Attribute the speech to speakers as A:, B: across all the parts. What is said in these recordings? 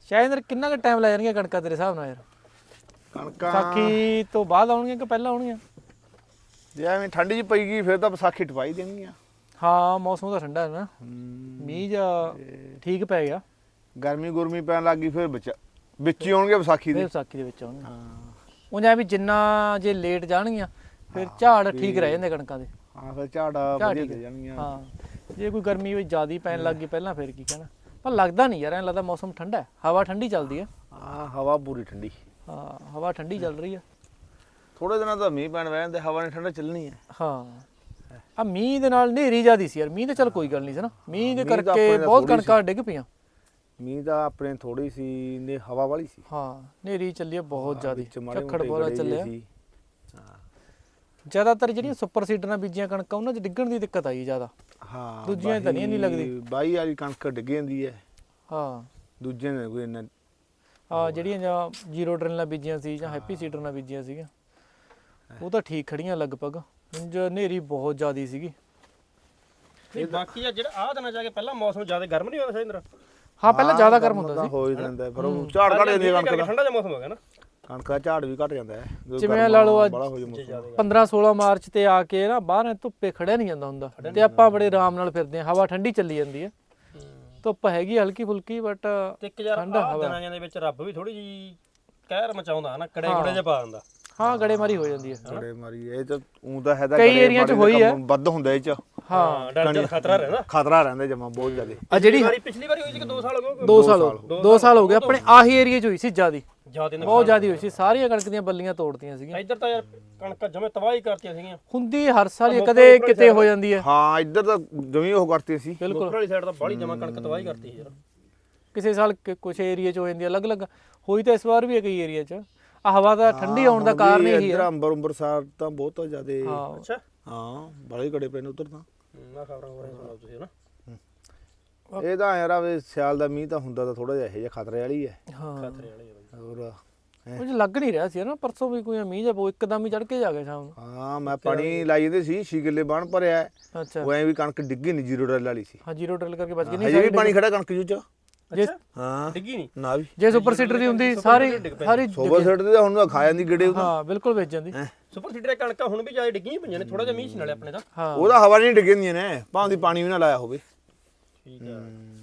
A: ਸ਼ਾਇਦ ਕਿੰਨਾ ਕੁ ਟਾਈਮ ਲੈ ਜਾਣਗੇ ਕਣਕਾਂ ਤੇਰੇ ਹਿਸਾਬ ਨਾਲ ਯਾਰ?
B: ਕਣਕਾਂ
A: ਵਿਸਾਖੀ ਤੋਂ ਬਾਅਦ ਆਉਣਗੀਆਂ ਕਿ ਪਹਿਲਾਂ ਆਉਣਗੀਆਂ?
B: ਜੇ ਐਵੇਂ ਠੰਡ ਜੀ ਪਈ ਗਈ ਫਿਰ ਤਾਂ ਵਿਸਾਖੀ ਟਪਾਈ ਦੇਣਗੀਆਂ।
A: ਹਾਂ ਮੌਸਮ ਤਾਂ ਠੰਡਾ ਹੈ ਨਾ, ਮੀਂਹ ਜਾਂ ਠੀਕ ਪੈ ਗਿਆ।
B: ਗਰਮੀ ਗੁਰਮੀ ਪੈਣ ਲੱਗ ਗਈ ਫਿਰ ਵਿੱਚ ਹੀ ਆਉਣਗੇ ਵਿਸਾਖੀ
A: ਫਿਰ
B: ਦੇ।
A: ਵਿਸਾਖੀ ਦੇ ਵਿੱਚ ਆਉਣਗੇ।
B: ਹਾਂ
A: ਉਹ ਜਾਂ ਵੀ ਜਿੰਨਾ ਜੇ ਲੇਟ ਜਾਣਗੀਆਂ ਫਿਰ ਝਾੜ ਠੀਕ ਰਹਿ ਜਾਂਦੇ ਕਣਕਾਂ ਦੇ।
B: ਹਾਂ ਫਿਰ ਝਾੜਾ ਵਧੀਆ ਦੇ ਜਾਣਗੀਆਂ।
A: ਹਾਂ ਜੇ ਕੋਈ ਗਰਮੀ ਵੀ ਜ਼ਿਆਦਾ ਪੈਣ ਲੱਗ ਗਈ ਪਹਿਲਾਂ ਫਿਰ ਕੀ ਕਹਿਣਾ। ਪਰ ਲੱਗਦਾ ਨਹੀਂ ਯਾਰ, ਐਂ ਲੱਗਦਾ ਮੌਸਮ ਠੰਡਾ ਹੈ, ਹਵਾ ਠੰਡੀ ਚੱਲਦੀ ਹੈ।
B: ਹਾਂ ਹਵਾ ਪੂਰੀ ਠੰਡੀ।
A: ਹਾਂ ਹਵਾ ਠੰਡੀ ਚੱਲ ਰਹੀ ਹੈ।
B: ਥੋੜੇ ਦਿਨਾਂ ਦਾ ਮੀਂਹ ਪੈਣ ਵੈ ਜਾਂਦੇ, ਹਵਾ ਨੇ ਠੰਡਾ ਚੱਲਣੀ ਹੈ।
A: ਹਾਂ ਆ ਮੀਂਹ ਦੇ ਨਾਲ ਹਨੇਰੀ ਜ਼ਿਆਦੀ ਸੀ ਯਾਰ। ਮੀਂਹ ਤਾਂ ਚੱਲ ਕੋਈ ਗੱਲ ਨਹੀਂ ਸੀ ਨਾ, ਮੀਂਹ ਦੇ
B: ਮੀਂਹ ਤਾਂ
A: ਕਰਕੇ
B: ਆਪਣੇ
A: ਬਹੁਤ
B: ਥੋੜ੍ਹੀ
A: ਕਣਕਾਂ ਡਿੱਗ ਪਈਆਂ।
B: ਮੀਂਹ ਤਾਂ ਆਪਣੇ ਥੋੜੀ ਸੀ ਨੇ, ਹਵਾ ਵਾਲੀ ਸੀ।
A: ਹਾਂ ਹਨੇਰੀ ਚੱਲੀ ਬਹੁਤ ਜ਼ਿਆਦੀ,
B: ਵਿੱਚ ਮਾੜੇ
A: ਝੱਖੜ
B: ਮੋਟੇ
A: ਬੋਲਾ
B: ਗੜੇ
A: ਚੱਲਿਆ।
B: ਸੀ। ਹਾਂ
A: ਜ਼ਿਆਦਾਤਰ ਜਿਹੜੀਆਂ ਸੁਪਰ ਸੀਡਰ ਨਾਲ ਬੀਜੀਆਂ ਕਣਕਾਂ ਉਹਨਾਂ 'ਚ ਡਿੱਗਣ ਦੀ ਦਿੱਕਤ ਆਈ ਜ਼ਿਆਦਾ।
B: ਹਾਂ
A: ਦੂਜੀਆਂ ਤਾਂ ਨਹੀਂ ਲੱਗਦੀ।
B: ਬਾਈ ਵਾਲੀ ਕਣਕ ਡਿੱਗ ਜਾਂਦੀ ਹੈ।
A: ਹਾਂ
B: ਦੂਜੇ ਨੇ ਕੋਈ ਇੰਨਾ
A: ਆ ਜਿਹੜੀਆਂ ਜਾਂ ਜ਼ੀਰੋ ਡਰਿਲ ਨਾਲ ਬੀਜੀਆਂ ਸੀ ਜਾਂ ਹੈਪੀ ਸੀਡਰ ਨਾਲ ਬੀਜੀਆਂ ਸੀਗੀਆਂ ਉਹ ਤਾਂ ਠੀਕ ਖੜੀਆਂ ਲਗਭਗ। ਉਂਝ ਹਨੇਰੀ ਬਹੁਤ ਜ਼ਿਆਦੀ ਸੀਗੀ।
C: ਨਹੀਂ ਬਾਕੀ ਆ ਜਿਹੜਾ ਆਹ ਦਿਨਾਂ ਜਾ ਕੇ ਪਹਿਲਾਂ ਮੌਸਮ ਜ਼ਿਆਦਾ ਗਰਮ ਨਹੀਂ ਹੁੰਦਾ ਸ਼ਾਇਦ?
A: ਹਾਂ ਪਹਿਲਾਂ ਜ਼ਿਆਦਾ ਗਰਮ ਹੁੰਦਾ ਸੀ।
B: ਹੋ ਹੀ ਜਾਂਦਾ ਫਿਰ ਉਹ ਝਾੜ ਘਟ ਜਾਂਦੀ ਕਣਕ ਦਾ।
C: ਠੰਡਾ ਜਿਹਾ ਮੌਸਮ ਹੋ ਗਿਆ ਨਾ,
B: ਕਣਕ ਦਾ ਝਾੜ ਵੀ ਘਟ ਜਾਂਦਾ ਹੈ ਜਦੋਂ
A: ਜਿਵੇਂ
B: ਗਰਮ
A: ਲਾ ਲਓ ਅੱਜ
B: ਬੜਾ ਹੋ ਜਾਏ ਮੌਸਮ।
A: 15-16 ਮਾਰਚ ਤੇ ਆ ਕੇ ਨਾ ਬਾਹਰ ਧੁੱਪੇ ਖੜਿਆ ਨਹੀਂ ਜਾਂਦਾ ਹੁੰਦਾ ਤੇ ਆਪਾਂ ਬੜੇ ਆਰਾਮ ਨਾਲ ਫਿਰਦੇ ਹਾਂ। ਹਵਾ ਠੰਡੀ ਚੱਲੀ ਜਾਂਦੀ ਹੈ, ਧੁੱਪ ਹੈਗੀ ਹਲਕੀ ਫੁਲਕੀ ਬਟ
C: ਤੇ ਇੱਕ ਯਾਰ ਆਹ ਦਿਨਾਂ ਦੇ ਵਿੱਚ ਰੱਬ ਵੀ ਥੋੜੀ ਜੀ ਕਹਿਰ ਮਚਾਉਂਦਾ ਨਾ, ਕੜੇ ਕੁੜੇ ਜਿਹਾ ਪਾ ਦਿੰਦਾ।
A: ਹਾਂ ਗੜੇਮਾਰੀ ਹੋ ਜਾਂਦੀ ਹੈ।
B: ਗੜੇ ਮਾਰੀ ਇਹ ਤਾਂ ਊਂ ਤਾਂ ਹੈਦਾ
A: ਕਈ ਏਰੀਆ 'ਚ ਹੋਈ ਹੈ।
B: ਵੱਧ ਹੁੰਦਾ ਇਹ ਚ।
A: ਹਾਂ
C: ਡਰ ਦਾ ਖਤਰਾ ਰਹਿੰਦਾ,
B: ਖਤਰਾ ਰਹਿੰਦਾ ਜਮਾ ਬਹੁਤ ਜ਼ਿਆਦਾ।
A: ਆ ਜਿਹੜੀ
C: ਪਿਛਲੀ ਵਾਰੀ ਹੋਈ ਸੀ ਕਿ 2 ਸਾਲ ਹੋ ਗਏ?
A: 2 ਸਾਲ ਹੋ ਗਏ ਆਪਣੇ ਆਹੀ ਏਰੀਆ 'ਚ ਹੋਈ ਸੀ ਜ਼ਿਆਦੀ,
C: ਜ਼ਿਆਦਾ
A: ਬਹੁਤ ਜ਼ਿਆਦੀ ਹੋਈ ਸੀ। ਸਾਰੀਆਂ ਕਣਕ ਦੀਆਂ ਬੱਲੀਆਂ ਤੋੜਤੀਆਂ ਸੀਗੀਆਂ।
C: ਇੱਧਰ ਤਾਂ ਯਾਰ ਕਣਕਾਂ ਜਮੇ ਤਬਾਹੀ ਕਰਤੀਆਂ ਸੀਗੀਆਂ।
A: ਹੁੰਦੀ ਹਰ ਸਾਲ ਹੀ, ਕਦੇ ਕਿਤੇ ਹੋ ਜਾਂਦੀ ਹੈ।
B: ਹਾਂ ਇੱਧਰ ਤਾਂ ਜਮੀ ਉਹ ਕਰਤੀ ਸੀ।
C: ਬਿਲਕੁਲ ਵਾਲੀ ਸਾਈਡ ਤਾਂ ਬਾਹਲੀ ਜਮਾ ਕਣਕ ਤਬਾਹੀ ਕਰਤੀ ਸੀ ਯਾਰ।
A: ਕਿਸੇ ਸਾਲ ਕੁਝ ਏਰੀਆ 'ਚ ਹੋ ਜਾਂਦੀ ਅਲੱਗ-ਅਲੱਗ। ਹੋਈ ਤਾਂ ਇਸ ਵਾਰ ਵੀ ਹੈ ਕਈ ਏਰੀਆ 'ਚ। ਆ ਹਵਾ ਦਾ ਠੰਡੀ ਆਉਣ ਦਾ ਕਾਰਨ ਇਹੀ
B: ਇੱਧਰ
A: ਹੈ।
B: ਅੰਬਰਸਰ ਤਾਂ ਬਹੁਤ ਜ਼ਿਆਦਾ।
A: ਹਾਂ
C: ਅੱਛਾ
B: ਹਾਂ ਬੜੇ ਕੜੇ ਪਏ ਨੇ ਉੱਧਰ ਤਾਂ।
C: ਨਾ ਖਬਰਾਂ ਹੋ ਰਹੀਆਂ ਸੁਣਾਓ ਤੁਸੀਂ ਨਾ।
B: ਇਹ ਤਾਂ ਯਾਰ ਆਵੇ ਸਿਆਲ ਦਾ ਮੀਂਹ ਤਾਂ ਹੁੰਦਾ ਤਾਂ ਥੋੜਾ ਜਿਹਾ ਇਹ ਜਿਹਾ ਖਤਰੇ ਵਾਲੀ ਹੈ।
A: ਹਾਂ
C: ਖਤਰੇ ਵਾਲੀ ਆ ਬਾਈ।
B: ਹੋਰ
A: ਕੁਝ ਲੱਗ ਨਹੀਂ ਰਿਹਾ ਸੀ ਨਾ ਪਰਸੋਂ ਵੀ ਕੋਈ ਮੀਂਹ ਜਾਂ ਇੱਕਦਮ ਹੀ ਚੜ ਕੇ ਜਾ ਗਿਆ ਸ਼ਾਮ ਨੂੰ।
B: ਹਾਂ ਮੈਂ ਪਾਣੀ ਲਾਈ ਜਾਂਦੇ ਸੀ 6 ਕਿੱਲੇ ਬਾਣ ਭਰਿਆ।
A: ਅੱਛਾ
B: ਉਹ ਐ ਵੀ ਕਣਕ ਡਿੱਗੀ ਨਹੀਂ, ਜ਼ੀਰੋ ਡਰਿਲ ਵਾਲੀ ਸੀ।
A: ਹਾਂ ਜ਼ੀਰੋ ਡਰਿਲ ਕਰਕੇ ਬਚ ਗਈ।
B: ਹਜੇ
A: ਨਹੀਂ
B: ਵੀ ਪਾਣੀ ਖੜਾ ਕਣਕ ਜੂ ਚ।
A: ਜੇ
B: ਹਾਂ
C: ਡਿੱਗੀ ਨਹੀਂ
B: ਨਾ ਵੀ
A: ਜੇ ਸੁਪਰ ਸੀਡਰ ਦੀ ਹੁੰਦੀ ਸਾਰੀ
B: ਸੋਬਰ ਸੈਟ ਤੇ ਹੁਣ ਤਾਂ ਖਾ ਜਾਂਦੀ ਗੇੜੇ ਉਹਦਾ।
A: ਹਾਂ ਬਿਲਕੁਲ ਵੇਚ ਜਾਂਦੀ।
C: ਸੁਪਰ ਸੀਡਰ ਕਣਕਾਂ ਹੁਣ ਵੀ ਜ਼ਿਆਦਾ ਡਿੱਗੀਆਂ ਪਈਆਂ ਨੇ, ਥੋੜਾ ਜਿਹਾ ਮੀਂਹ ਸੀ ਨਾਲੇ ਆਪਣੇ ਦਾ।
A: ਹਾਂ
B: ਉਹਦਾ ਹਵਾ ਨਹੀਂ ਡਿੱਗਦੀਆਂ ਨੇ, ਭਾਵੇਂ ਦੀ ਪਾਣੀ ਵੀ ਨਾ ਲਾਇਆ ਹੋਵੇ।
C: ਠੀਕ ਆ।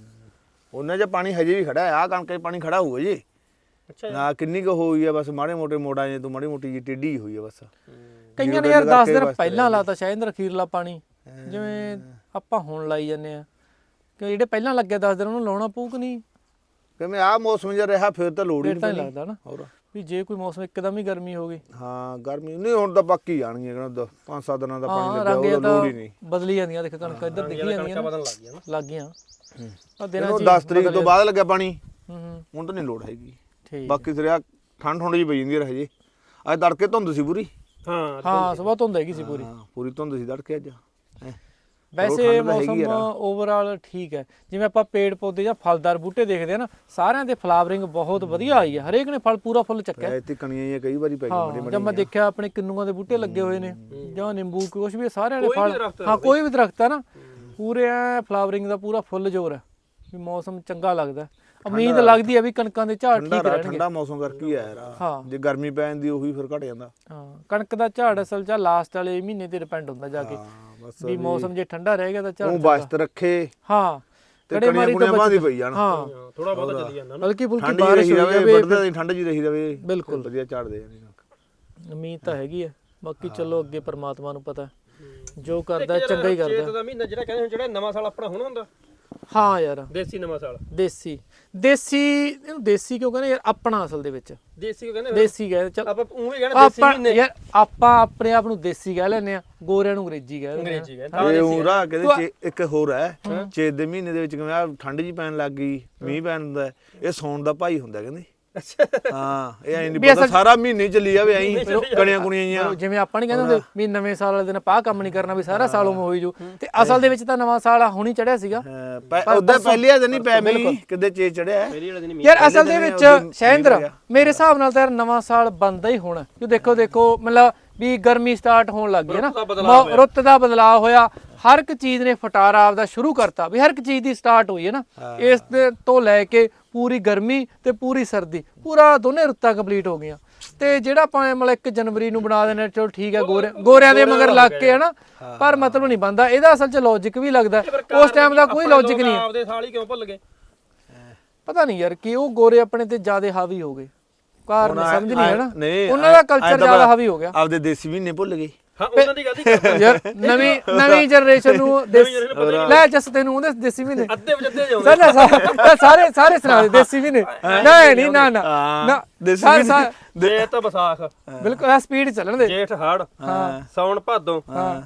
B: ਉਹਨਾਂ 'ਚ ਪਾਣੀ ਹਜੇ ਵੀ ਖੜਾ ਹੈ। ਆਹ ਕਣਕ 'ਚ ਪਾਣੀ ਖੜਾ ਹੋਊਗਾ ਜੀ।
C: ਅੱਛਾ
B: ਨਾ ਕਿੰਨੀ ਕੁ ਹੋਈ ਹੈ ਬਸ, ਮਾੜੇ ਮੋਟੇ ਮੋੜਾਂ 'ਚ ਤੋਂ ਮਾੜੀ ਮੋਟੀ ਜੀ ਟੇਢੀ ਹੋਈ ਹੈ ਬਸ।
A: ਕਈਆਂ ਨੇ ਯਾਰ 10 ਦਿਨ ਪਹਿਲਾਂ ਲਾਤਾ ਸ਼ਾਇਦ ਅਖੀਰਲਾ ਪਾਣੀ, ਜਿਵੇਂ ਆਪਾਂ ਹੁਣ ਲਾਈ ਜਾਂਦੇ ਆ ਕਿ ਜਿਹੜੇ ਪਹਿਲਾਂ ਲੱਗਿਆ 10 ਦਿਨ ਉਹਨੂੰ ਲਾਉਣਾ ਪਊ ਕਿ ਨਹੀਂ?
B: ਕਿਵੇਂ ਆਹ ਮੌਸਮ ਜਿਹਾ ਰਿਹਾ ਫਿਰ ਤਾਂ ਲੋੜ ਹੀ
A: ਫਿਰ ਤਾਂ
B: ਨਹੀਂ
A: ਨਹੀਂ ਲੱਗਦਾ ਨਾ
B: ਹੋਰ।
A: ਵੀ ਜੇ ਕੋਈ ਮੌਸਮ ਇੱਕਦਮ ਹੀ ਗਰਮੀ ਹੋ ਗਈ।
B: ਹਾਂ ਗਰਮੀ ਨਹੀਂ ਹੁਣ ਤਾਂ ਪੱਕੀ ਜਾਣਗੀਆਂ ਕਹਿੰਦਾ 5-7 ਦਿਨਾਂ ਦਾ ਪਾਣੀ
A: ਹਾਂ
B: ਲੱਗਿਆ
A: ਰੰਗ
B: ਉਹਦਾ ਲੋੜ ਹੀ ਨਹੀਂ।
A: ਬਦਲੀ ਜਾਂਦੀਆਂ ਦੇਖ ਕਣਕਾਂ ਇੱਧਰ ਦਿਖੀ ਜਾਂਦੀਆਂ
C: ਕਣਕਾਂ ਬਦਲਣ ਲੱਗ ਗਈਆਂ ਨਾ।
A: ਲੱਗ ਗਈਆਂ ਆ ਦਿਨਾਂ
B: ਇਹਨੂੰ
A: ਚ
B: 10 ਤਰੀਕ ਤੋਂ ਬਾਅਦ ਲੱਗਿਆ ਪਾਣੀ,
A: ਹੂੰ
B: ਹੁਣ ਤਾਂ ਨਹੀਂ ਲੋੜ ਹੈਗੀ।
A: ਠੀਕ
B: ਬਾਕੀ ਸਿਰਿਆ ਠੰਡ ਠੰਡ ਜੀ ਪਈ ਜਾਂਦੀ ਹੈ ਹਜੇ। ਅੱਜ ਤੜਕੇ ਧੁੰਦ ਸੀ ਪੂਰੀ।
A: ਹਾਂ ਸਵੇਰ ਧੁੰਦ ਹੈਗੀ ਸੀ ਪੂਰੀ।
B: ਹਾਂ ਪੂਰੀ ਧੁੰਦ ਸੀ ਤੜਕੇ ਅੱਜ।
A: ਵੈਸੇ ਮੌਸਮ ਓਵਰਆਲ ਠੀਕ ਹੈ। ਜਿਵੇਂ ਆਪਾਂ ਪੇੜ ਪੌਦੇ ਜਾਂ ਫਲਦਾਰ ਬੂਟੇ ਦੇਖਦੇ ਆ ਨਾ, ਸਾਰਿਆਂ ਦੇ ਫਲਾਵਰਿੰਗ ਬਹੁਤ ਵਧੀਆ ਆਈ ਹੈ। ਹਰੇਕ ਨੇ ਫਲ ਪੂਰਾ ਫੁੱਲ ਚੱਕਿਆ।
B: ਇੱਥੇ ਕਣੀਆਂ ਜਿਹੀਆਂ ਕਈ ਵਾਰੀ ਪੈ ਗਈਆਂ
A: ਹਾਂ ਜਦ ਮੈਂ ਦੇਖਿਆ ਆਪਣੇ ਕਿੰਨੂਆਂ ਦੇ ਬੂਟੇ ਲੱਗੇ ਹੋਏ ਨੇ ਜਾਂ ਨਿੰਬੂ ਕੁਛ ਵੀ, ਸਾਰਿਆਂ ਦੇ ਫਲ। ਹਾਂ ਕੋਈ ਵੀ ਦਰਖਤ ਹੈ ਨਾ ਪੂਰੇ ਐ ਫਲਾਵਰਿੰਗ ਦਾ ਪੂਰਾ ਫੁੱਲ ਜ਼ੋਰ ਹੈ ਵੀ ਮੌਸਮ ਚੰਗਾ ਲੱਗਦਾ। ਉਮੀਦ ਲੱਗਦੀ ਹੈ ਵੀ ਕਣਕਾਂ ਦੇ ਝਾੜ ਠੀਕ ਰਹਿਣਗੇ।
B: ਠੰਡਾ ਮੌਸਮ ਕਰਕੇ ਹੀ ਆ ਯਾਰ। ਜੇ ਗਰਮੀ ਪੈ ਜਾਂਦੀ ਉਹੀ ਫਿਰ ਘਟ ਜਾਂਦਾ।
A: ਹਾਂ ਕਣਕ ਦਾ ਝਾੜ ਅਸਲ 'ਚ ਲਾਸਟ ਵਾਲੇ ਮਹੀਨੇ ਤੇ ਡਿਪੈਂਡ ਹੁੰਦਾ ਜਾ ਕੇ ਵੀ ਮੌਸਮ ਜੇ ਠੰਡਾ ਰਹੇਗਾ ਤਾਂ ਝਾੜ
B: ਉਹ ਬਸਤ ਰੱਖੇ।
A: ਹਾਂ
B: ਕੜੇ ਮਾਰੀ ਤੋਂ ਬਾਅਦ ਪਈ ਜਾਣ।
A: ਹਾਂ
C: ਥੋੜਾ ਬਹੁਤਾ ਚੱਲੀ ਜਾਂਦਾ ਨਾ।
A: ਹਲਕੀ ਫੁਲਕੀ
B: ਠੰਡ
A: ਬਾਰਿਸ਼
B: ਰਹੀ
A: ਹੋ
B: ਰਵੇ,
A: ਜਾਵੇ
B: ਵੱਢਦੇ ਠੰਡ ਜੀ ਰਹੀ ਰਵੇ,
A: ਬਿਲਕੁਲ
B: ਵਧੀਆ ਝਾੜ ਦੇ ਜਾਂਦੀ।
A: ਉਮੀਦ ਤਾਂ ਹੈਗੀ ਆ। ਬਾਕੀ ਚਲੋ ਅੱਗੇ ਪਰਮਾਤਮਾ ਨੂੰ ਪਤਾ ਜੋ ਕਰਦਾ ਚੰਗਾ ਹੀ ਕਰਦਾ।
C: ਚੇਤ ਦਾ ਮਹੀਨਾ ਜਿਹੜਾ ਕਹਿੰਦੇ ਜਿਹੜਾ ਨਵਾਂ ਸਾਲ ਆਪਣਾ ਹੁਣ ਹੁੰਦਾ।
A: ਹਾਂ ਯਾਰ
C: ਦੇਸੀ ਨਵਾਂ ਸਾਲ।
A: ਦੇਸੀ ਇਹਨੂੰ ਦੇਸੀ ਕਿਉਂ ਕਹਿੰਦੇ ਯਾਰ? ਆਪਣਾ ਅਸਲ ਦੇ ਵਿੱਚ
C: ਦੇਸੀ ਕਹਿੰਦੇ
A: ਦੇਸੀ ਕਹਿੰਦੇ। ਚੱਲ
C: ਆਪਾਂ ਉਹ ਵੀ ਕਹਿੰਦੇ ਦੇਸੀ ਮਹੀਨੇ।
A: ਯਾਰ ਆਪਾਂ ਆਪਣੇ ਆਪ ਨੂੰ ਦੇਸੀ ਕਹਿ ਲੈਂਦੇ ਆ, ਗੋਰਿਆਂ ਨੂੰ ਅੰਗਰੇਜ਼ੀ ਕਹਿ ਦਿੰਦੇ ਆ।
C: ਅੰਗਰੇਜ਼ੀ ਕਹਿੰਦੇ
B: ਇਹ ਹੋਰਾ ਕਹਿੰਦੇ ਇੱਕ ਹੋਰ ਹੈ ਚੇਤ ਦੇ ਮਹੀਨੇ ਦੇ ਵਿੱਚ ਕਿਵੇਂ ਆ ਠੰਡ ਜੀ ਪੈਣ ਲੱਗ ਗਈ, ਮੀਂਹ ਪੈਣ ਹੁੰਦਾ, ਇਹ ਸੌਣ ਦਾ ਭਾਈ ਹੁੰਦਾ ਕਹਿੰਦੇ। ਹਾਂ ਇਹ ਐਂ ਨਹੀਂ ਪਤਾ ਸਾਰਾ ਮਹੀਨੇ ਚੱਲੀ ਜਾਵੇ ਐਂ ਕਣੀਆਂ ਕੁਣੀਆਂ ਜੀਆਂ।
A: ਜਿਵੇਂ ਆਪਾਂ ਨਹੀਂ ਕਹਿੰਦੇ ਹੁੰਦੇ ਵੀ ਨਵੇਂ ਸਾਲ ਵਾਲੇ ਦਿਨ ਆਪਾਂ ਕੰਮ ਨਹੀਂ ਕਰਨਾ ਵੀ ਸਾਰਾ ਸਾਲ ਉਵੇਂ ਹੋਈ ਜੋ, ਤੇ ਅਸਲ ਦੇ ਵਿੱਚ ਤਾਂ ਨਵਾਂ ਸਾਲ ਹੁਣੀ ਚੜਿਆ ਸੀਗਾ।
B: ਉਦੋਂ ਪਹਿਲੇ ਦਿਨ ਹੀ ਪੈ ਮੀ ਕਿਤੇ ਚੇ ਚੜਿਆ
A: ਯਾਰ। ਅਸਲ ਦੇ ਵਿੱਚ ਸ਼ੈਂਦਰ ਮੇਰੇ ਹਿਸਾਬ ਨਾਲ ਤਾਂ ਨਵਾਂ ਸਾਲ ਬੰਦਾ ਹੀ ਹੋਣਾ ਕਿਉਂ ਦੇਖੋ ਮਤਲਬ ਵੀ ਗਰਮੀ ਸਟਾਰਟ ਹੋਣ ਲੱਗ ਗਈ ਹੈ ਨਾ, ਰੁੱਤ ਦਾ ਬਦਲਾਅ ਹੋਇਆ, ਹਰ ਇੱਕ ਚੀਜ਼ ਨੇ ਫਟਾਰਾ ਆਪਦਾ ਸ਼ੁਰੂ ਕਰਤਾ ਵੀ ਹਰ ਇੱਕ ਚੀਜ਼ ਦੀ ਸਟਾਰਟ ਹੋਈ ਹੈ ਨਾ ਇਸ ਦੇ ਤੋਂ ਲੈ ਕੇ ਪੂਰੀ ਗਰਮੀ ਤੇ ਪੂਰੀ ਸਰਦੀ ਪੂਰਾ ਦੋਨੇ ਰੁੱਤਾਂ ਕੰਪਲੀਟ ਹੋ ਗਈਆਂ ਤੇ ਜਿਹੜਾ ਆਪਾਂ ਮਤਲਬ 1 ਜਨਵਰੀ ਨੂੰ ਬਣਾ ਦੇਣਾ ਚਲੋ ਠੀਕ ਹੈ ਗੋਰਿਆਂ ਦੇ ਮਗਰ ਲੱਗ ਕੇ ਹਨਾ ਪਰ ਮਤਲਬ ਨਹੀਂ ਬਣਦਾ ਇਹਦਾ ਅਸਲ 'ਚ ਲੌਜੀਕ ਵੀ ਲੱਗਦਾ ਉਸ ਟਾਈਮ ਦਾ ਕੋਈ ਲੌਜੀਕ ਨਹੀਂ
C: ਆਪਦੇ ਸਾਲ ਹੀ ਕਿਉਂ ਭੁੱਲ ਗਏ
A: ਪਤਾ ਨਹੀਂ ਯਾਰ ਕਿ ਉਹ ਗੋਰੇ ਆਪਣੇ ਤੇ ਜ਼ਿਆਦਾ ਹਾਵੀ ਹੋ ਗਏ ਕਾਰਨ ਸਮਝ ਨਹੀਂ ਹੈ ਨਾ
B: ਨਹੀਂ,
A: ਉਹਨਾਂ ਦਾ ਕਲਚਰ ਜ਼ਿਆਦਾ ਹਾਵੀ ਹੋ ਗਿਆ
B: ਆਪਦੇ ਦੇਸੀ ਮਹੀਨੇ ਭੁੱਲ ਗਏ
C: ਹਾਂ ਉਹਨਾਂ ਦੀ ਗਲਤੀ ਕਰਦੇ
A: ਯਾਰ ਨਵੀਂ ਜਨਰੇਸ਼ਨ ਨੂੰ ਲੈ ਜਸ ਤੈਨੂੰ ਉਹਦੇ ਦੇਸੀ ਵੀ ਨੇ
C: ਅੱਧੇ ਵਜੇ ਜਾਉਂਦੇ
A: ਸਾਰੇ ਸੁਣਾ ਦੇ ਦੇਸੀ ਵੀ ਨੇ ਨਹੀਂ ਨਾ
B: ਦੇਸੀ
C: ਜੇ ਤਾਂ ਵਿਸਾਖ
A: ਬਿਲਕੁਲ ਆ ਸਪੀਡ ਚੱਲਣ ਦੇ
C: ਜੇਠ ਹਾੜ ਸੌਣ ਭਾਦੋਂ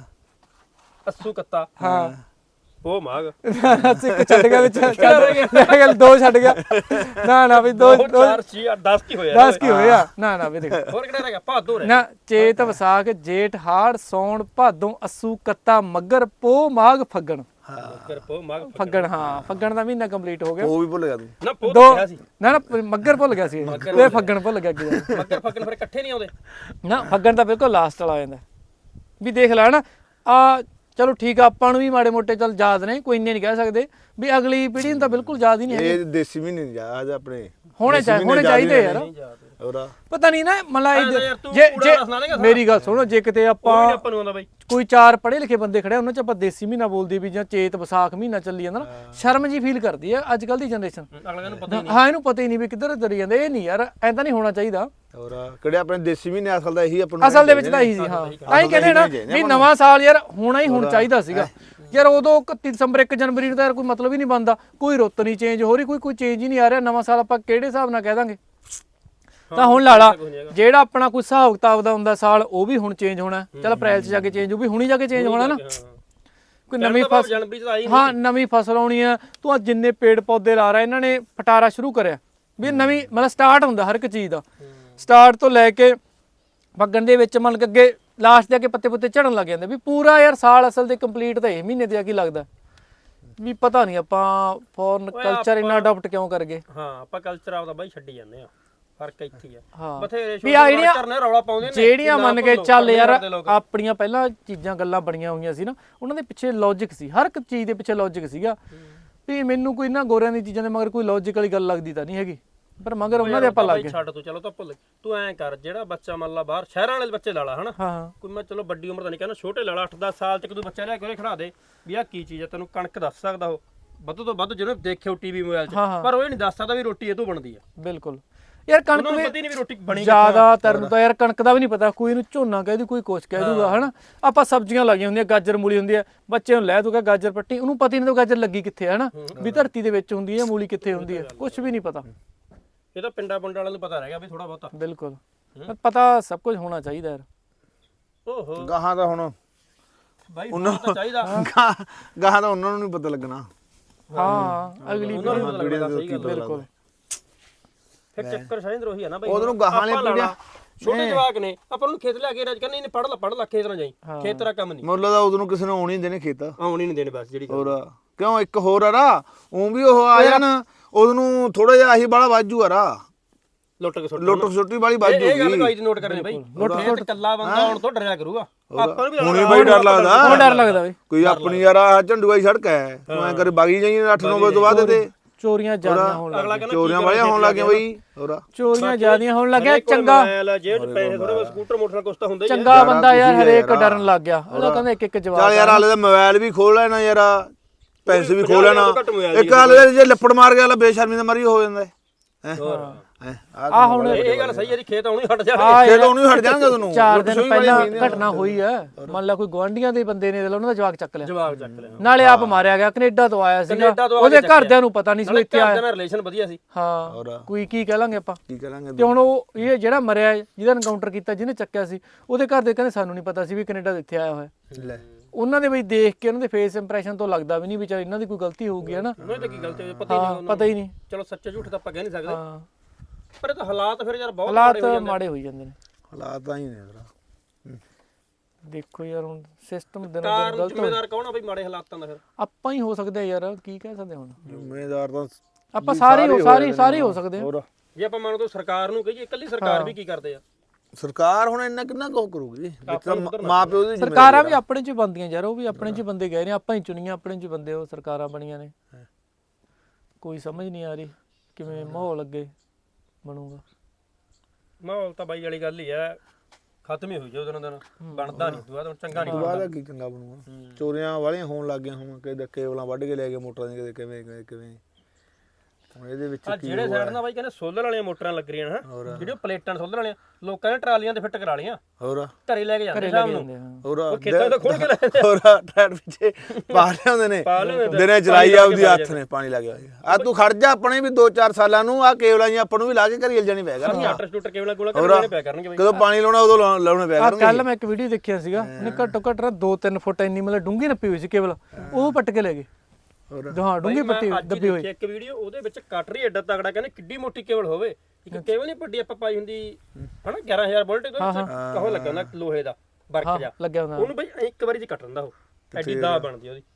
C: ਅੱਸੂ ਕੱਤਾ
A: ਹਾਂ
C: ਉਹ ਮਾਘ
A: ਇੱਕ ਛੱਡ ਗਿਆ ਵਿੱਚ ਚੱਲ 2 ਛੱਡ ਗਿਆ ਨਾ ਵੀ 2
C: 4 6 10 ਕੀ ਹੋਇਆ
A: 10 ਕੀ ਹੋਇਆ ਨਾ ਵੀ ਦੇਖ
C: ਹੋਰ ਕਿਹੜਾ ਰਹਿ ਗਿਆ ਭਾਦੋਂ ਰਹਿ
A: ਨਾ ਚੇਤ ਵਿਸਾਖ ਜੇਠ ਹਾੜ ਸੌਣ ਭਾਦੋਂ ਅੱਸੂ ਕੱਤਾ ਮੱਘਰ ਪੋ ਮਾਘ ਫੱਗਣ
C: ਮੱਘਰ ਪੋ ਮਾਘ
A: ਫੱਗਣ ਹਾਂ ਫੱਗਣ ਦਾ ਮਹੀਨਾ ਕੰਪਲੀਟ ਹੋ ਗਿਆ
B: ਉਹ ਵੀ ਭੁੱਲ ਗਿਆ ਤੂੰ
C: ਨਾ ਪੋ ਕਿਹਾ ਸੀ
A: ਨਾ ਮੱਘਰ ਭੁੱਲ ਗਿਆ ਸੀ ਤੇ ਫੱਗਣ ਭੁੱਲ ਗਿਆ ਕਿ
C: ਮੱਘਰ ਫੱਗਣ ਫਿਰ ਇਕੱਠੇ ਨਹੀਂ ਆਉਂਦੇ
A: ਨਾ ਫੱਗਣ ਤਾਂ ਬਿਲਕੁਲ ਲਾਸਟ ਵਾਲਾ ਆ ਜਾਂਦਾ ਵੀ ਦੇਖ ਲੈ ਨਾ ਆ ਚਲੋ ਠੀਕ ਆ ਆਪਾਂ ਨੂੰ ਵੀ ਮਾੜੇ ਮੋਟੇ ਚੱਲ ਯਾਦ ਨੇ ਕੋਈ ਇੰਨੇ ਨਹੀਂ ਕਹਿ ਸਕਦੇ ਵੀ ਅਗਲੀ ਪੀੜ੍ਹੀ ਨੂੰ ਤਾਂ ਬਿਲਕੁਲ ਯਾਦ ਹੀ ਨਹੀਂ ਹੈ
B: ਇਹ ਦੇਸੀ ਮਹੀਨੇ ਨਹੀਂ ਯਾਦ ਆਪਣੇ
A: ਹੋਣੇ ਚਾਹੀਦੇ ਯਾਰ
B: ਹੋਰਾ
A: ਪਤਾ ਨਹੀਂ ਨਾ ਮਤਲਬ
C: ਯਾਰ ਤੂੰ
A: ਜੇ
C: ਪੂਰਾ ਦੱਸਣਾ ਦੇਗਾ
A: ਮੇਰੀ ਗੱਲ ਸੁਣੋ ਜੇ ਕਿਤੇ ਆਪਾਂ
C: ਆਪਾਂ ਨੂੰ ਆਉਂਦਾ ਬਾਈ
A: ਕੋਈ 4 ਪੜ੍ਹੇ ਲਿਖੇ ਬੰਦੇ ਖੜੇ ਉਹਨਾਂ ਚ ਆਪਾਂ ਦੇਸੀ ਮਹੀਨਾ ਬੋਲਦੀ ਵੀ ਜਾਂ ਚੇਤ ਵਿਸਾਖ ਮਹੀਨਾ ਚੱਲੀ ਜਾਂਦਾ ਨਾ ਸ਼ਰਮ ਜੀ ਫੀਲ ਕਰਦੀ ਆ ਅੱਜ ਕੱਲ ਦੀ ਜਨਰੇਸ਼ਨ
C: ਅਗਲਿਆਂ ਨੂੰ ਪਤਾ
A: ਹਾਂ ਇਹਨੂੰ ਪਤਾ ਹੀ ਨਹੀਂ ਵੀ ਕਿੱਧਰ ਤੁਰੀ ਜਾਂਦੇ ਇਹ ਨਹੀਂ ਯਾਰ ਐਂਦਾ ਨਹੀਂ ਹੋਣਾ ਚਾਹੀਦਾ
B: ਹੋਰਾ ਕਿਹੜੇ ਆਪਣੇ ਦੇਸੀ ਮਹੀਨੇ ਅਸਲ ਦਾ ਇਹੀ ਆਪਾਂ
A: ਅਸਲ ਦੇ ਵਿੱਚ ਤਾਂ ਇਹੀ ਸੀ ਹਾਂ ਤਾਂ ਹੀ ਕਹਿੰਦੇ ਨਾ ਵੀ ਨਵਾਂ ਸਾਲ ਯਾਰ ਹੋਣਾ ਹੀ ਹੁਣ ਚਾਹੀਦਾ ਸੀਗਾ ਯਾਰ ਉਦੋਂ 31 ਦਸੰਬਰ 1 ਜਨਵਰੀ ਨੂੰ ਤਾਂ ਯਾਰ ਕੋਈ ਮਤਲਬ ਹੀ ਨਹੀਂ ਬਣਦਾ ਕੋਈ ਰੁੱਤ ਨਹੀਂ ਚੇਂਜ ਹੋ ਰਹੀ ਕੋਈ ਚੇਂਜ ਹੀ ਨਹੀਂ ਆ ਰਿਹਾ ਨਵਾਂ ਸਾਲ ਆਪਾਂ ਕਿਹੜੇ ਹਿਸਾਬ ਨਾਲ ਕਹਿ ਦਾਂਗੇ ਤਾਂ ਹੁਣ ਲਾਲਾ ਜਿਹੜਾ ਆਪਣਾ ਕੋਈ ਹਿਸਾਬ ਕਿਤਾਬ ਦਾ ਹੁੰਦਾ ਸਾਲ ਉਹ ਵੀ ਹੁਣ ਚੇਂਜ ਹੋਣਾ ਚੱਲ ਅਪ੍ਰੈਲ 'ਚ ਜਾ ਕੇ ਚੇਂਜ ਉਹ ਵੀ ਹੁਣੀ ਜਾ ਕੇ ਚੇਂਜ ਹੋਣਾ ਨਾ ਕੋਈ ਨਵੀਂ ਫਸਲ
C: ਜਨਵਰੀ ਚ ਆਈ
A: ਹਾਂ ਨਵੀਂ ਫਸਲ ਆਉਣੀ ਆ ਤੂੰ ਆ ਜਿੰਨੇ ਪੇੜ ਪੌਦੇ ਲਾ ਰਿਹਾ ਇਹਨਾਂ ਨੇ ਫਟਾਰਾ ਸ਼ੁਰੂ ਕਰਿਆ ਵੀ ਨਵੀਂ ਮਤਲਬ ਸਟਾਰਟ ਹੁੰਦਾ ਹਰ ਇੱਕ ਚੀਜ਼ ਦਾ ਸਟਾਰਟ ਤੋਂ ਲੈ ਕੇ ਫੱਗਣ ਦੇ ਵਿੱਚ ਮੰਨ ਕੇ ਅੱਗੇ ਲਾਸਟ ਦੇ ਅੱਗੇ ਪੱਤੇ ਪੁੱਤੇ ਝੜਨ ਲੱਗ ਜਾਂਦੇ ਵੀ ਪੂਰਾ ਯਾਰ ਸਾਲ ਅਸਲ ਦੇ ਕੰਪਲੀਟ ਤਾਂ ਇਹ ਮਹੀਨੇ ਦੇ ਆ ਕੀ ਲੱਗਦਾ ਵੀ ਪਤਾ ਨਹੀਂ ਆਪਾਂ ਫੋਰਨ ਕਲਚਰ ਇੰਨਾ ਅਡਾਪਟ ਕਿਉਂ ਕਰ ਗਏ
C: ਹਾਂ ਆਪਾਂ ਕਲਚਰ ਆਪਦਾ ਬਾਈ ਛੱਡੀ ਜਾਂਦੇ ਆ ਫਰਕ ਇੱਥੇ ਹੀ ਆ
A: ਹਾਂ
C: ਬਥੇਰੇ
A: ਵੀ ਆ ਜਿਹੜੀਆਂ
C: ਕਰਨੇ ਰੌਲਾ ਪਾਉਂਦੇ ਨੇ
A: ਜਿਹੜੀਆਂ ਮੰਨ ਕੇ ਚੱਲ ਯਾਰ ਆਪਣੀਆਂ ਪਹਿਲਾਂ ਚੀਜ਼ਾਂ ਗੱਲਾਂ ਬਣੀਆਂ ਹੋਈਆਂ ਸੀ ਨਾ ਉਹਨਾਂ ਦੇ ਪਿੱਛੇ ਲੌਜੀਕ ਸੀ ਹਰ ਇੱਕ ਚੀਜ਼ ਦੇ ਪਿੱਛੇ ਲੌਜੀਕ ਸੀਗਾ ਵੀ ਮੈਨੂੰ ਕੋਈ ਨਾ ਗੋਰਿਆਂ ਦੀ ਚੀਜ਼ਾਂ ਦੇ ਮਗਰ ਕੋਈ ਲੌਜੀਕ ਵਾਲੀ ਗੱਲ ਲੱਗਦੀ ਤਾਂ ਨਹੀਂ ਹੈਗੀ ਪਰ ਮਗਰ ਉਹਨਾਂ ਦੇ ਆਪਾਂ ਲੱਗ ਗਏ
C: ਛੱਡ ਤੂੰ ਚਲੋ ਤਾਂ ਭੁੱਲ ਤੂੰ ਐਂ ਕਰ ਜਿਹੜਾ ਬੱਚਾ ਮੰਨ ਲਾ ਬਾਹਰ ਸ਼ਹਿਰਾਂ ਵਾਲੇ ਬੱਚੇ ਲਾਲਾ ਹਨਾ
A: ਹਾਂ
C: ਕੋਈ ਮੈਂ ਚਲੋ ਵੱਡੀ ਉਮਰ ਦਾ ਨਹੀਂ ਕਹਿੰਦਾ ਛੋਟੇ ਲਾਲਾ 8-10 ਸਾਲ ਚ ਕੋਈ ਬੱਚਾ ਲਿਆ ਕੇ ਉਹਨੇ ਖੜਾ ਦੇ ਵੀ ਆਹ ਕੀ ਚੀਜ਼ ਹੈ ਤੈਨੂੰ ਕਣਕ ਦੱਸ ਸਕਦਾ ਉਹ ਵੱਧ ਤੋਂ ਵੱਧ ਜਿਹਨੇ ਦੇਖਿਓ ਟੀਵੀ ਮੋਬਾਈਲ 'ਚ ਪਰ ਉਹ ਇਹ ਨਹੀਂ ਦੱਸ ਸਕਦਾ ਵੀ ਰੋਟੀ ਇਹ ਤੋਂ ਬਣਦੀ ਆ
A: ਬਿਲਕੁਲ ਯਾਰ ਕਣਕ
C: ਉਹਨੂੰ ਪਤਾ ਹੀ ਨਹੀਂ ਵੀ ਰੋਟੀ ਬਣੀ
A: ਜ਼ਿਆਦਾਤਰ ਨੂੰ ਤਾਂ ਯਾਰ ਕਣਕ ਦਾ ਵੀ ਨਹੀਂ ਪਤਾ ਕੋਈ ਇਹਨੂੰ ਝੋਨਾ ਕਹਿ ਦੂ ਕੋਈ ਕੁਛ ਕਹਿ ਦੂਗਾ ਹਨਾ ਆਪਾਂ ਸਬਜ਼ੀਆਂ ਲਾਈਆਂ ਹੁੰਦੀਆਂ ਗਾਜਰ ਮੂਲੀ ਹੁੰਦੀ ਆ ਬੱਚੇ ਨੂੰ ਲੈ ਦੂਗਾ ਗਾਜਰ ਪੱਟੀ ਉਹਨੂੰ ਪਤਾ ਹੀ ਨਹੀਂ ਗਾਜਰ ਲੱਗੀ ਕਿੱਥੇ ਹੈ ਹਨਾ ਵੀ ਧਰਤੀ ਦੇ ਵਿੱਚ ਹੁੰਦੀ ਹੈ ਮੂਲੀ ਕਿੱਥੇ ਹੁੰਦੀ ਹੈ ਕੁਝ ਵੀ ਨਹੀਂ ਪਤਾ
C: ਇਹ ਤਾਂ ਪਿੰਡਾਂ ਪੁੰਡਾਂ ਵਾਲਿਆਂ ਨੂੰ ਪਤਾ ਰਹਿ ਗਿਆ ਵੀ ਥੋੜਾ ਬਹੁਤਾ
A: ਬਿਲਕੁਲ ਪਰ ਪਤਾ ਸਭ ਕੁਝ ਹੋਣਾ ਚਾਹੀਦਾ ਯਾਰ
C: ਓਹੋ
B: ਗਾਹਾਂ ਦਾ ਹੁਣ
C: ਬਾਈ ਉਹਨਾਂ ਤਾਂ ਚਾਹੀਦਾ
B: ਗਾਹਾਂ ਦਾ ਉਹਨਾਂ ਨੂੰ ਨਹੀਂ ਪਤਾ ਲੱਗਣਾ
A: ਹਾਂ ਅਗਲੀ
C: ਉਹਨਾਂ ਨੂੰ ਪਤਾ ਲੱਗਦਾ ਸਹੀ ਗੱਲ
A: ਬਿਲਕੁਲ
C: ਫਿਰ ਚੱਕਰ ਸ਼ਾਇਦ ਰੋਹੀ ਆ ਨਾ ਬਾਈ
B: ਉਹਨੂੰ ਗਾਹਾਂ ਵਾਲੇ ਪੀੜੀਆਂ
C: ਛੋਟੇ ਜਵਾਕ ਨੇ ਆਪਾਂ ਨੂੰ ਖੇਤ ਲਿਆ ਕੇ ਰਾਜ ਕਹਿੰਦੇ ਇਹਨੇ ਪੜ ਲਾ ਖੇਤ ਨਾ ਜਾਈ ਖੇਤ ਤੇਰਾ ਕੰਮ ਨਹੀਂ
B: ਮੁੱਲ ਦਾ ਉਦੋਂ ਕਿਸੇ ਨੂੰ ਆਉਣੀ ਨਹੀਂ ਦੇਣੇ ਖੇਤ
C: ਆਉਣੀ ਨਹੀਂ ਦੇਣੇ ਬਸ ਜਿਹੜੀ
B: ਹੋਰ ਕਿਉਂ ਇੱਕ ਹੋਰ ਆ ਰਾ ਉਹ ਵੀ ਉਹ ਆ ਜਾਣ ਉਹਨੂੰ ਥੋੜਾ ਜਿਹਾ ਆਹੀ ਬਾਲਾ ਵਾਜੂ ਆ ਰਾ
C: ਲੁੱਟ ਕੇ ਸੁੱਟ
B: ਲੁੱਟ ਛੋਟੀ ਵਾਲੀ ਵਾਜੂ
C: ਇਹ ਗੱਲ ਕੋਈ ਨੋਟ ਕਰਨੀ ਬਾਈ ਖੇਤ ਕੱਲਾ ਬੰਦਾ ਹੁਣ ਤੋਂ ਡਰਿਆ ਕਰੂਗਾ ਆਪਾਂ ਨੂੰ ਵੀ
B: ਹੁਣੇ ਬਈ ਡਰ ਲੱਗਦਾ
A: ਉਹ ਡਰ ਲੱਗਦਾ ਬਈ
B: ਕੋਈ ਆਪਣੀ ਯਾਰ ਆ ਝੰਡੂਆ ਹੀ ਸੜਕ ਹੈ ਤੂੰ ਐ ਕਰ ਬਾਗੀ ਜਾਈ 8-9 ਵਜੇ ਤੋਂ ਬਾਅਦ ਤੇ
A: ਚੋਰੀਆਂ ਜ਼ਿਆਦੀਆਂ ਹੋਣ ਲੱਗ
C: ਅਗਲਾ ਕਹਿੰਦਾ
B: ਚੋਰੀਆਂ ਵਾਲੀਆਂ ਹੋਣ ਲੱਗ ਗਈਆਂ ਬਈ ਹੋਰ
A: ਚੋਰੀਆਂ ਜ਼ਿਆਦੀਆਂ ਹੋਣ ਲੱਗਿਆ ਚੰਗਾ
C: ਜੇਬ ਚ ਪੈਸੇ ਥੋੜੇ ਸਕੂਟਰ ਮੋਟਰ ਕੁਛ ਤਾਂ ਹੁੰਦਾ ਹੀ
A: ਚੰਗਾ ਬੰਦਾ ਯਾਰ ਹਰੇਕ ਡਰਨ ਲੱਗ ਗਿਆ ਉਹਦਾ ਕਹਿੰਦਾ ਇੱਕ ਜਵਾਬ
B: ਚੱਲ ਯਾਰ ਹਾਲੇ ਦਾ ਮੋਬਾਈਲ ਵੀ ਖੋਲ ਲੈਣਾ ਯਾਰ ਪੈਸੇ ਵੀ ਖੋਲ ਲੈਣਾ ਇੱਕ ਹਾਲੇ ਜੇ ਲੱਪੜ ਮਾਰ ਗਿਆ ਬੇਸ਼ਰਮੀ ਦਾ ਮਰੀ ਹੋ ਜਾਂਦਾ ਹੈ
A: ਆ ਹੁਣ
C: ਇਹ ਗੱਲ ਸਹੀ ਹੈ ਜੀ ਖੇਤ ਆਉਣੀ ਹਟ ਜਾਣਗੇ
B: ਖੇਤ ਉਹਨੂੰ ਹਟ ਜਾਣਗੇ ਤੁਹਾਨੂੰ
A: 4 ਦਿਨ ਪਹਿਲਾਂ ਘਟਨਾ ਹੋਈ ਹੈ ਮੰਨ ਲਾ ਕੋਈ ਗਵਾਂਢੀਆਂ ਦੇ ਬੰਦੇ ਨੇ ਉਹਨਾਂ ਦਾ ਜਵਾਕ ਚੱਕ ਲਿਆ
C: ਜਵਾਬ ਚੱਕ ਲਿਆ
A: ਨਾਲੇ ਆਪ ਮਾਰਿਆ ਗਿਆ ਕੈਨੇਡਾ ਤੋਂ ਆਇਆ ਸੀਗਾ ਉਹਦੇ ਘਰਦਿਆਂ ਨੂੰ ਪਤਾ ਨਹੀਂ ਸੀ ਇੱਥੇ ਆਇਆ
C: ਨਾਲ ਰਿਲੇਸ਼ਨ ਵਧੀਆ ਸੀ
A: ਹਾਂ ਕੋਈ ਕੀ ਕਹਿ ਲਾਂਗੇ ਆਪਾਂ
B: ਕੀ ਕਰਾਂਗੇ
A: ਤੇ ਹੁਣ ਉਹ ਇਹ ਜਿਹੜਾ ਮਰਿਆ ਜਿਹਦਾ ਐਨਕਾਊਂਟਰ ਕੀਤਾ ਜਿਹਨੇ ਚੱਕਿਆ ਸੀ ਉਹਦੇ ਘਰ ਦੇ ਕਹਿੰਦੇ ਸਾਨੂੰ ਨਹੀਂ ਪਤਾ ਸੀ ਵੀ ਕੈਨੇਡਾ ਦੇ ਇੱਥੇ ਆਇਆ ਹੋਇਆ
B: ਲੈ
A: ਉਹਨਾਂ ਦੇ ਬਈ ਦੇਖ ਕੇ ਉਹਨਾਂ ਦੇ ਫੇਸ ਇੰਪ੍ਰੈਸ਼ਨ ਤੋਂ ਲੱਗਦਾ ਵੀ ਨਹੀਂ ਵੀ ਚੱਲ ਇਹਨਾਂ ਦੀ ਕੋਈ ਗਲਤੀ ਹੋਊਗੀ ਹੈ ਨਾ
C: ਉਹਨਾਂ ਦੀ ਕੀ ਗਲਤੀ ਹੋਈ ਪਤਾ ਹੀ ਨਹੀਂ
A: ਪਤਾ ਹੀ ਨਹੀਂ
C: ਚਲੋ ਸੱਚੇ ਝੂਠ ਤਾਂ ਆਪਾਂ ਕਹਿ ਨਹੀਂ ਸਕਦੇ
A: ਹਾਂ
C: ਪਰ ਇਹ ਤਾਂ ਹਾਲਾਤ ਫਿਰ ਯਾਰ ਬਹੁਤ
A: ਹਾਲਾਤ ਮਾੜੇ ਹੋਈ ਜਾਂਦੇ ਨੇ
B: ਹਾਲਾਤ ਤਾਂ ਹੀ ਨੇ ਯਾਰ
A: ਦੇਖੋ ਯਾਰ ਹੁਣ ਸਿਸਟਮ ਦਿਨੋਂ ਦਿਨ
C: ਕਾਰਨ
A: ਗਲਤ
C: ਜ਼ਿੰਮੇਦਾਰ ਕੌਣ ਆ ਬਈ ਮਾੜੇ ਹਾਲਾਤਾਂ ਦਾ ਫਿਰ
A: ਆਪਾਂ ਹੀ ਹੋ ਸਕਦੇ ਯਾਰ ਕੀ ਕਹਿ ਸਕਦੇ ਹੁਣ
B: ਜ਼ਿੰਮੇਦਾਰ ਤਾਂ
A: ਆਪਾਂ ਸਾਰੇ ਹੋ ਸਕਦੇ ਹਾਂ
B: ਹੋਰ
C: ਜੇ ਆਪਾਂ ਮੰਨ ਲਓ ਸਰਕਾਰ ਨੂੰ ਕਹੀਏ ਇਕੱਲੀ ਸਰਕਾਰ ਵੀ ਕੀ ਕਰਦੇ ਆ
B: ਸਰਕਾਰ ਹੁਣ ਇੰਨਾ ਕਿੰਨਾ ਕੁ ਕਰੂਗੀ ਵਿੱਚ ਤਾਂ ਮਾਂ ਪਿਓ ਦੀ
A: ਸਰਕਾਰਾਂ ਵੀ ਆਪਣੇ ਚ ਬੰਦੀਆਂ ਯਾਰ, ਉਹ ਵੀ ਆਪਣੇ ਚ ਬੰਦੇ ਗਏ ਨੇ, ਆਪਾਂ ਹੀ ਚੁਣੀਆਂ ਆਪਣੇ ਚ ਬੰਦੇ, ਉਹ ਸਰਕਾਰਾਂ ਬਣੀਆਂ ਨੇ। ਕੋਈ ਸਮਝ ਨਹੀਂ ਆ ਰਹੀ ਕਿਵੇਂ ਮਾਹੌਲ ਅੱਗੇ ਬਣੂਗਾ।
C: ਮਾਹੌਲ ਤਾਂ ਬਾਈ ਵਾਲੀ ਗੱਲ ਹੀ ਆ, ਖਤਮ ਹੀ ਹੋਈ ਜਾ ਉਹਦੇ ਨਾਲ, ਬਣਦਾ ਨਹੀਂ ਦੁਆ ਤਾਂ ਚੰਗਾ ਨਹੀਂ
B: ਬਾਅਦ ਕੀ ਚੰਗਾ ਬਣੂਗਾ। ਚੋਰੀਆਂ ਵਾਲੀਆਂ ਹੋਣ ਲੱਗ ਗਈਆਂ ਹੁਣ, ਕਿਤੇ ਕੇਬਲਾਂ ਵੱਢ ਕੇ ਲੈ ਗਏ ਮੋਟਰਾਂ ਦੀਆਂ, ਕਿਤੇ ਕਿਵੇਂ ਕਿਵੇਂ। ਹੁਣ ਇਹਦੇ ਵਿੱਚ
C: ਜਿਹੜੇ ਸਾਈਡ ਨਾਲ ਬਾਈ ਕਹਿੰਦੇ ਸੋਲਰ ਵਾਲੀਆਂ ਮੋਟਰਾਂ ਲੱਗ ਰਹੀਆਂ ਹਨ, ਜਿਹੜੀਆਂ ਪਲੇਟਾਂ ਸੋਲਰ ਵਾਲੀਆਂ ਲੋਕਾਂ ਨੇ ਟਰਾਲੀਆਂ ਤੇ ਫਿੱਟ ਕਰਾ ਲੀਆਂ,
B: ਹੋਰ
C: ਘਰੇ ਲੈ ਕੇ ਜਾਂਦੇ ਸ਼ਾਮ ਨੂੰ,
B: ਹੋਰ
C: ਉਹ ਖੇਤਾਂ ਤੋਂ ਖੋਲ ਕੇ ਲੈ ਜਾਂਦੇ,
B: ਹੋਰ ਟਰੈਕਟਰ ਪਿੱਛੇ ਪਾ ਲਿਆਉਂਦੇ ਨੇ, ਦਿਨੇ ਚਲਾਈ ਆਉਦੀ ਹੱਥ ਨੇ ਪਾਣੀ ਲੱਗ ਗਿਆ। ਆ ਤੂੰ ਖੜ ਜਾ, ਆਪਣੇ ਵੀ 2-4 ਸਾਲਾਂ ਨੂੰ ਆ ਕੇਬਲਾਂ ਜੀ ਆਪਾਂ ਨੂੰ ਵੀ ਲਾ ਕੇ ਘਰੀ ਜਾਣੀ ਪੈ ਕਰਨਗੇ।
C: ਆਟਰ ਸਟੂਟਰ ਕੇਬਲਾਂ ਕੋਲ ਕਰਨੇ ਪਿਆ ਕਰਨਗੇ ਬਾਈ।
B: ਕਦੋਂ ਪਾਣੀ ਲਾਉਣਾ ਉਦੋਂ ਲਾਉਣੇ ਪਿਆ ਕਰਨਗੇ।
A: ਕੱਲ ਮੈਂ ਇੱਕ ਵੀਡੀਓ ਦੇਖਿਆ ਸੀਗਾ, ਉਹਨੇ ਘੱਟੋ ਘੱਟ 2-3 ਫੁੱਟ ਇੰਨੀ ਮਤਲਬ ਡੂੰਘੀ ਨੱਪੀ ਹੋਈ ਸੀ ਕੇਬਲ, ਉਹ ਪੱਟ ਕੇ ਲੈ ਗਏ। ਹਾਂ ਡੂੰਘੀ ਪੱਟੀ ਦੱਬੀ ਹੋਈ।
C: ਇੱਕ ਵੀਡੀਓ ਉਹਦੇ ਵਿੱਚ ਕਟਰੀ ਐਡਾ ਤਗੜਾ, ਕਹਿੰਦੇ ਕਿੱਡੀ ਮੋਟੀ ਕੇਬਲ ਹੋਵੇ, ਇੱਕ ਕੇਬਲ ਨਹੀਂ ਵੱਡੀ ਆਪਾਂ ਪਾਈ ਹੁੰਦੀ ਹਨਾ 11000 ਵੋਲਟ ਦੇ ਵਿੱਚ ਕਹੋ ਲੱਗਾ ਹੁੰਦਾ ਲੋਹੇ ਦਾ ਵਰਕ ਜਾ
A: ਲੱਗਿਆ ਹੁੰਦਾ,
C: ਉਹਨੂੰ ਬਈ ਇੱਕ ਵਾਰੀ ਚ ਕੱਟ ਦਿੰਦਾ ਉਹ, ਐਡੀ ਦਾ ਬਣਦੀ ਉਹਦੀ।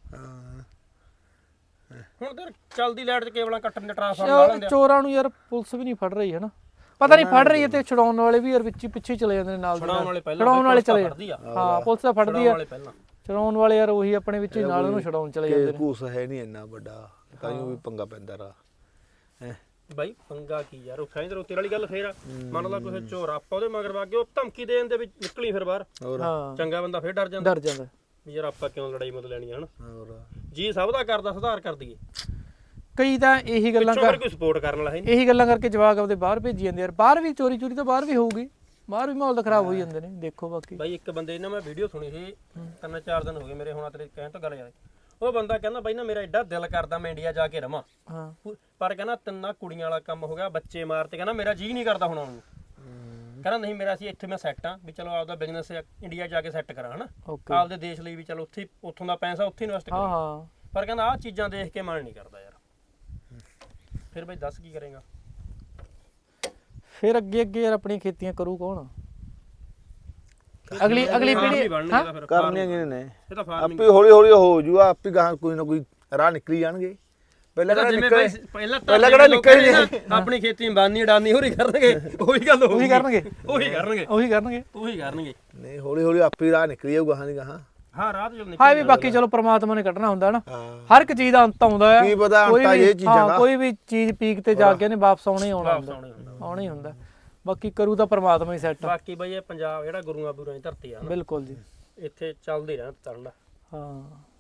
C: ਹੁਣ ਤਾਂ ਚੱਲਦੀ ਲਾਈਟ 'ਚ ਕੇਬਲਾਂ ਕੱਟਣ ਦੇ ਟਰਾਂਸਫਾਰਮਰ ਲਾ ਲੈਂਦੇ ਆ।
A: ਚੋਰਾਂ ਨੂੰ ਯਾਰ ਪੁਲਿਸ ਵੀ ਨਹੀਂ ਫੜ ਰਹੀ ਹੈ ਨਾ, ਪਤਾ ਨਹੀਂ ਫੜ ਰਹੀ ਹੈ, ਤੇ ਛਡਾਉਣ ਵਾਲੇ ਵੀ ਯਾਰ ਵਿੱਚ ਪਿੱਛੇ ਚਲੇ ਜਾਂਦੇ ਨੇ ਨਾਲ ਦੇ ਨਾਲ।
C: ਛਡਾਉਣ ਵਾਲੇ ਪਹਿਲਾਂ
A: ਛਡਾਉਣ ਵਾਲੇ ਚਲੇ
C: ਫੜਦੀ ਆ,
A: ਹਾਂ ਪੁਲਿਸ ਤਾਂ ਫੜਦੀ ਆ,
C: ਵਾਲੇ ਪਹਿਲਾਂ
A: ਛਡਾਉਣ ਵਾਲੇ ਯਾਰ ਉਹੀ ਆਪਣੇ ਵਿੱਚ ਹੀ ਨਾਲ ਉਹਨੂੰ ਛਡਾਉਣ ਚਲੇ ਜਾਂਦੇ ਨੇ।
B: ਘੂਸ ਹੈ ਨਹੀਂ ਇੰਨਾ ਵੱਡਾ, ਤਾਂ ਵੀ ਪੰਗਾ ਪੈਂਦਾ ਰਾ
C: ਬਾਈ ਪੰਗਾ ਕੀ ਯਾਰ, ਉਹ ਸਾਈਂ ਰੋਤੇ ਵਾਲੀ ਗੱਲ ਫੇਰ ਆ, ਮੰਨ ਲਾ ਕੋਈ ਚੋਰ ਆਪਾਂ ਉਹਦੇ ਮਗਰ ਵਾ ਕੇ ਉਹ ਧਮਕੀ ਦੇਣ ਦੇ ਵਿੱਚ ਨਿਕਲੀ ਫਿਰ ਬਾਹਰ,
A: ਹਾਂ
C: ਚੰਗਾ ਬੰਦਾ ਫੇਰ ਡਰ ਜਾਂਦਾ ਵੀ ਯਾਰ ਆਪਾਂ ਕਿਉਂ ਲੜਾਈ ਮਤ ਲੈਣੀ ਹਨ। ਜੀ ਸਭ ਦਾ ਕਰਦਾ ਸੁਧਾਰ ਕਰ ਦਈਏ,
A: ਕਈ ਤਾਂ ਇਹੀ ਗੱਲਾਂ
C: ਪਿੱਛੋਂ ਕੋਈ ਸਪੋਰਟ ਕਰਨ ਵਾਲਾ ਹੈ ਨਹੀਂ,
A: ਇਹੀ ਗੱਲਾਂ ਕਰਕੇ ਜਵਾਕ ਆਪਦੇ ਬਾਹਰ ਭੇਜੀ ਜਾਂਦੇ ਯਾਰ। ਬਾਹਰ ਵੀ ਚੋਰੀ ਤਾਂ ਬਾਹਰ ਵੀ ਹੋਊਗੀ, ਬਾਹਰ ਵੀ ਮਾਹੌਲ ਤਾਂ ਖਰਾਬ ਹੋਈ ਜਾਂਦੇ ਨੇ। ਦੇਖੋ ਬਾਕੀ ਬਾਈ
C: ਇੱਕ ਬੰਦੇ ਨੇ ਮੈਂ ਵੀਡੀਓ ਸੁਣੀ ਸੀ 3-4 ਦਿਨ ਹੋ ਗਏ ਮੇਰੇ, ਹੁਣ ਤੇਰੇ ਕਹਿਣ ਤੋਂ ਗੱਲ ਯਾਦ, ਉਹ ਬੰਦਾ ਕਹਿੰਦਾ ਬਾਈ ਨਾ ਮੇਰਾ ਐਡਾ ਦਿਲ ਕਰਦਾ ਮੈਂ ਇੰਡੀਆ ਜਾ ਕੇ ਰਵਾਂ, ਪਰ ਕਹਿੰਦਾ 3 ਕੁੜੀਆਂ ਵਾਲਾ ਕੰਮ ਹੋ ਗਿਆ, ਬੱਚੇ ਮਾਰਤੇ, ਕਹਿੰਦਾ ਮੇਰਾ ਜੀ ਨਹੀਂ ਕਰਦਾ ਹੁਣ ਆਉਣ ਨੂੰ, ਕਹਿੰਦਾ ਨਹੀਂ ਮੇਰਾ ਸੀ ਇੱਥੇ ਮੈਂ ਸੈੱਟ ਆ, ਵੀ ਚਲੋ ਆਪਦਾ ਬਿਜ਼ਨਸ ਇੰਡੀਆ ਜਾ ਕੇ ਸੈੱਟ ਕਰਾਂ ਹਨਾ, ਆਪਦੇ ਦੇਸ਼ ਲਈ ਵੀ ਚਲੋ ਉੱਥੇ ਉੱਥੋਂ ਦਾ ਪੈਸਾ ਉੱਥੇ ਇਨਵੈਸਟ ਕਰਾਂ, ਪਰ ਕਹਿੰਦਾ ਆਹ ਚੀਜ਼ਾਂ ਦੇਖ ਕੇ ਮਨ ਨਹੀਂ ਕਰਦਾ ਯਾਰ। ਫਿਰ ਬਾਈ ਦੱਸ ਕੀ ਕਰੇਗਾ
A: ਫਿਰ ਅੱਗੇ ਯਾਰ ਆਪਣੀਆਂ ਖੇਤੀਆਂ ਕਰੂ ਕੌਣ? ਅਗਲੀ ਪੀੜ੍ਹੀ
B: ਕਰਨੀਆਂ ਕਿਹਨੇ ਨੇ, ਆਪੇ ਹੌਲੀ ਹੌਲੀ ਹੋ ਜੂਗਾ, ਆਪੇ ਗਾਂ ਕੋਈ ਨਾ ਕੋਈ ਰਾਹ ਨਿਕਲੀ ਜਾਣਗੇ। ਪਹਿਲਾਂ ਕਿਹੜਾ ਨਿਕਲੇ
C: ਆਪਣੀ ਖੇਤੀ ਬਾਨੀ ਡਾਨੀ ਹੋਰੀ ਕਰਨਗੇ, ਉਹੀ ਗੱਲ
A: ਉਹੀ ਕਰਨਗੇ
B: ਨਹੀਂ, ਹੌਲੀ ਹੌਲੀ ਆਪੇ ਰਾਹ ਨਿਕਲੀ ਜਾਊਗਾ ਗਾਹਾਂ ਦੀ ਗਾਹਾਂ।
C: ਹਾਂ ਰਾਹ ਤੇ
A: ਹਾਂ ਵੀ ਬਾਕੀ ਚਲੋ ਪ੍ਰਮਾਤਮਾ ਨੇ ਕੱਢਣਾ ਹੁੰਦਾ ਨਾ, ਹਰ ਇੱਕ ਚੀਜ਼ ਦਾ ਅੰਤ ਆਉਂਦਾ ਹੈ।
B: ਕੀ ਪਤਾ ਅੰਤ ਇਹ ਚੀਜ਼ਾਂ ਦਾ,
A: ਕੋਈ ਵੀ ਚੀਜ਼ ਪੀਕ ਤੇ ਜਾ ਕੇ ਨੇ ਵਾਪਸ ਆਉਣਾ ਹੀ ਹੁੰਦਾ। ਬਾਕੀ ਕਰੂ ਤਾਂ ਪ੍ਰਮਾਤਮਾ ਹੀ ਸੈੱਟ।
C: ਬਾਕੀ ਬਈ ਇਹ ਪੰਜਾਬ ਜਿਹੜਾ ਗੁਰੂਆਂ ਬੁਰਾਂ ਦੀ ਧਰਤੀ ਆ,
A: ਬਿਲਕੁਲ ਜੀ,
C: ਇੱਥੇ ਚੱਲਦੇ ਰਹਿਣਾ ਤਰਨ ਦਾ।
A: ਹਾਂ